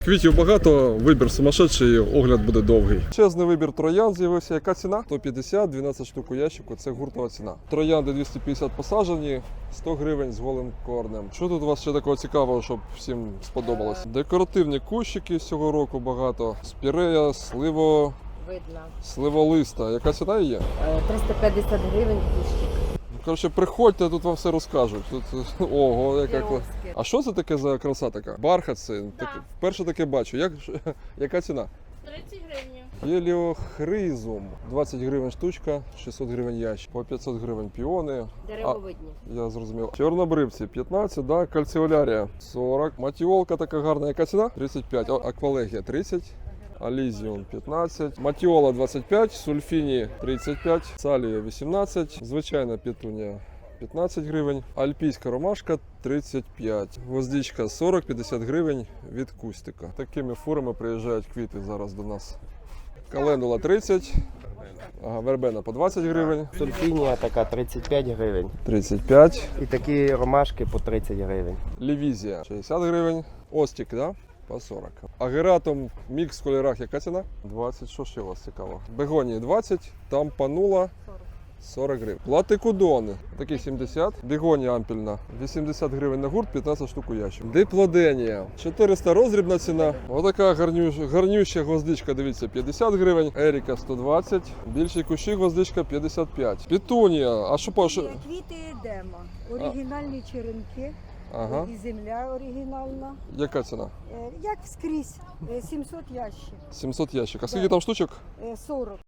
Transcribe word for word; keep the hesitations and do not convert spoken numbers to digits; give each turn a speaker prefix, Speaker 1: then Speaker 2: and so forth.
Speaker 1: Квітів багато, вибір сумасшедший, огляд буде довгий. Чесний вибір троянд з'явився. Яка ціна? сто п'ятдесят, дванадцять штук у ящику, це гуртова ціна. Троянди двісті п'ятдесят посаджені, сто гривень з голим корнем. Що тут у вас ще такого цікавого, щоб всім сподобалось? Декоративні кущики з цього року багато. Спірея, сливо...
Speaker 2: Видно.
Speaker 1: Сливолиста. Яка ціна є?
Speaker 2: триста п'ятдесят гривень кущик.
Speaker 1: Коротше, приходьте, тут вам все розкажуть. Тут, ого, яка кла- А що це таке за краса така? Бархат це?
Speaker 3: Да.
Speaker 1: Так, вперше таке бачу. Як, яка ціна?
Speaker 3: тридцять гривень.
Speaker 1: Геліохризум. двадцять гривень штучка, шістсот гривень ящик. По п'ятсот гривень піони.
Speaker 2: Деревовидні.
Speaker 1: Я зрозумів. Чорнобривці п'ятнадцять, да? Кальціолярія сорок. Матіолка така гарна. Яка ціна? тридцять п'ять. О, аквалегія тридцять. Алізіум п'ятнадцять, матіола двадцять п'ять, сульфіні тридцять п'ять, салія вісімнадцять, звичайна петунія п'ятнадцять гривень, альпійська ромашка тридцять п'ять, гвоздичка сорок п'ятдесят гривень від кустика. Такими фурами приїжджають квіти зараз до нас. Календула тридцять, ага, вербена по двадцять гривень,
Speaker 4: Сульфінія така тридцять п'ять гривень.
Speaker 1: тридцять п'ять,
Speaker 4: І такі ромашки по тридцять гривень.
Speaker 1: лівізія шістдесят гривень, остік, да? По сорок. Агератум мікс в кольорах яка ціна? двадцять. Що ще у вас цікаво? Бегонії двадцять, там панула сорок гривень. Платикудони, такі сімдесят. Бегонія ампільна вісімдесят гривень на гурт, п'ятнадцять штук у ящик. Диплоденія чотириста роздрібна ціна. Отака гарнюща, гарнюща гвоздичка, дивіться, п'ятдесят гривень. Еріка сто двадцять. Більші кущі гвоздичка п'ятдесят п'ять. Петунія, а що по що?
Speaker 5: Квіти Едема, оригінальні черенки,
Speaker 1: Ага.
Speaker 5: і земля оригінальна.
Speaker 1: Яка ціна?
Speaker 5: Е, Як скрізь, е, сімсот ящик,
Speaker 1: сімсот ящик. А скільки там штучок?
Speaker 5: е, сорок.